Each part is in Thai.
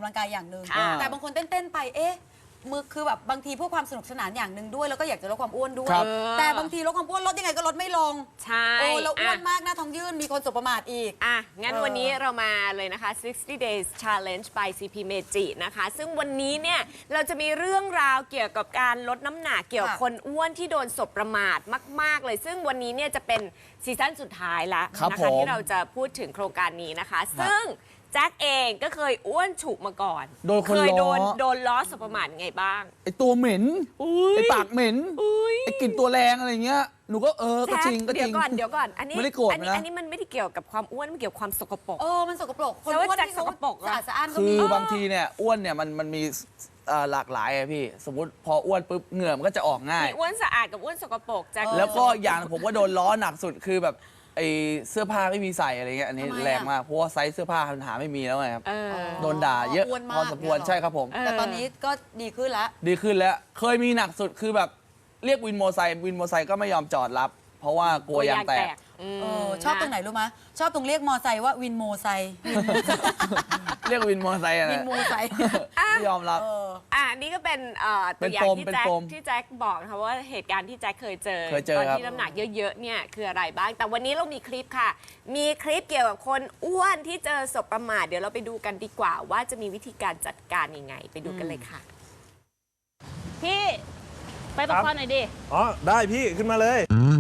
ลังกายอย่างหนึ่งแต่บางคนเต้นไปมือคือแบบบางทีเพื่อความสนุกสนานอย่างหนึ่งด้วยแล้วก็อยากจะลดความอ้วนด้วยแต่บางทีลดความอ้วนลดยังไงก็ลดไม่ลงใช่แล้วอ้วนมากหน้าท้องยื่นมีคนสบประมาทอีกงั้นวันนี้เรามาเลยนะคะ 60 days challenge by CP Meiji นะคะซึ่งวันนี้เนี่ยเราจะมีเรื่องราวเกี่ยวกับการลดน้ำหนักเกี่ยวกับคนอ้วนที่โดนสบประมาทมากๆเลยซึ่งวันนี้เนี่ยจะเป็นซีซั่นสุดท้ายแล้วนะคะที่เราจะพูดถึงโครงการนี้นะคะซึ่งแจ็คเองก็เคยอ้วนฉุกมาก่อนเคยโดนล้อสบประมาทไงบ้างไอตัวเหม็นไอปากเหม็นไอกลิ่นตัวแรงอะไรเงี้ยหนูก็ก็จริงก็จริงเดี๋ยวก่อนอันนี้ไม่ได้โกรธนะอันนี้มันไม่ได้เกี่ยวกับความอ้วนมันเกี่ยวกับความสกปรกมันสกปรกคนอ้วนที่สกปรกสะอาดก็มีคือบางทีเนี่ยอ้วนเนี่ยมันมีหลากหลายอะพี่สมมติพออ้วนปุ๊บเหงื่อมันก็จะออกง่ายมีอ้วนสะอาดกับอ้วนสกปรกแจ็คแล้วก็อย่างผมว่าโดนล้อหนักสุดคือแบบไอเสื้อผ้าไม่มีใส่อะไรเงี้ยอันนี้แรงมากเพราะว่าไซส์เสื้อผ้าหาไม่มีแล้วไงครับโดนด่าเยอะพอสมควรใช่ครับผมแต่ตอนนี้ก็ดีขึ้นแล้วเคยมีหนักสุดคือแบบเรียกวินโมไซค์ก็ไม่ยอมจอดรับเพราะว่ากลัวยางแตกชอบตรงไหนรู้ไหมชอบตรงเรียกมอไซค์ว่าวินโมไซค์เรียกวินโมไซค์อะไรวินโมไซค์ไม่ยอมรับนี่ก็เป็นตัวอย่างที่แจ็คบอกนะคะว่าเหตุการณ์ที่แจ็คเคยเจอตอนที่น้ำหนักเยอะๆเนี่ยคืออะไรบ้างแต่วันนี้เรามีคลิปค่ะมีคลิปเกี่ยวกับคนอ้วนที่เจอสบประมาทเดี๋ยวเราไปดูกันดีกว่าว่าจะมีวิธีการจัดการยังไงไปดูกันเลยค่ะพี่ไปประคองหน่อยดิได้พี่ขึ้นมาเลย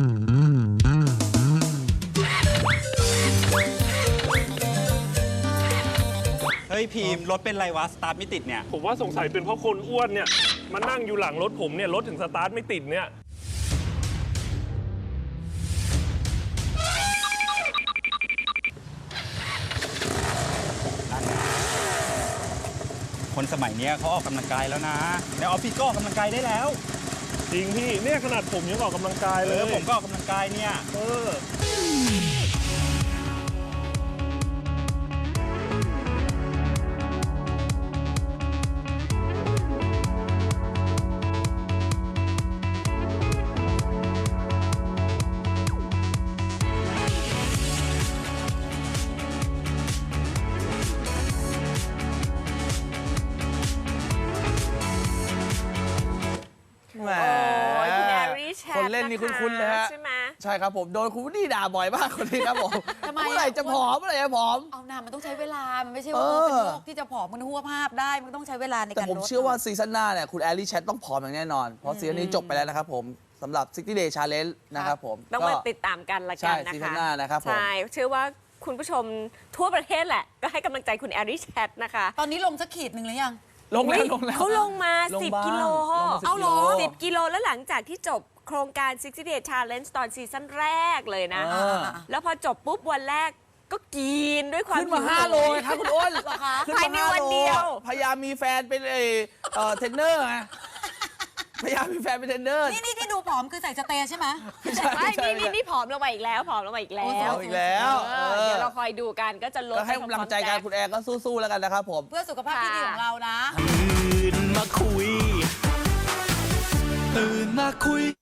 เฮ้ยพีมรถเป็นไรวะสตาร์ทไม่ติดเนี่ยผมว่าสงสัยเป็นเพราะคนอ้วนเนี่ยมานั่งอยู่หลังรถผมเนี่ยรถถึงสตาร์ทไม่ติดเนี่ยคนสมัยนี้เขาออกกำลังกายแล้วนะในออฟฟิศก็ออกกำลังกายได้แล้วจริงพี่เนี่ยขนาดผมยังออกกำลังกายเลยผมก็ออกกำลังกายเนี่ยคนเล่นนี่คุ้นๆเลยฮะใช่ไหมใช่ครับผมโดนคุณวูดดี้ด่าบ่อยมากคนนี้ครับผมเมื่อไหร่จะผอมเอาหน้ามันต้องใช้เวลามันไม่ใช่ว่าเป็นโรคที่จะผอมมันหัวภาพได้มันต้องใช้เวลาในการลดแต่ผมเชื่อว่าซีซั่นหน้าเนี่ยคุณแอลลี่แชทต้องผอมอย่างแน่นอนเพราะซีซั่นนี้จบไปแล้วนะครับผมสำหรับ 60 Day Challenge นะครับผมต้องมาติดตามกันละกันนะคะซีซั่นหน้านะครับผมใช่เชื่อว่าคุณผู้ชมทั่วประเทศแหละก็ให้กำลังใจคุณแอลลี่แชทนะคะตอนนี้ลงสักขีดหนึ่งหรือยังลงแล้วเขาลงมา10 กิโลเอาหรอ 10 กิโลแล้วหลังจากที่จบโครงการ 60 Day Challenge ตอนซีซั่นแรกเลยนะแล้วพอจบปุ๊บวันแรกก็กินด้วยความขึ้นมา5 โลครับคุณอ้นภายในวันเดียวพยายามมีแฟนเป็นเทรนเนอร์ไงพยายามมีแฟนเป็นเทรนเนอร์นี่ที่ดูผอมคือใส่สเตย์ใช่ไหมนี่ผอมลงมาอีกแล้วผอมลงมาอีกแล้วเดี๋ยวเราคอยดูกันก็จะลดให้กำลังใจกันคุณแอร์ก็สู้ๆแล้วกันนะครับผมเพื่อสุขภาพที่ดีของเรานะตื่นมาคุย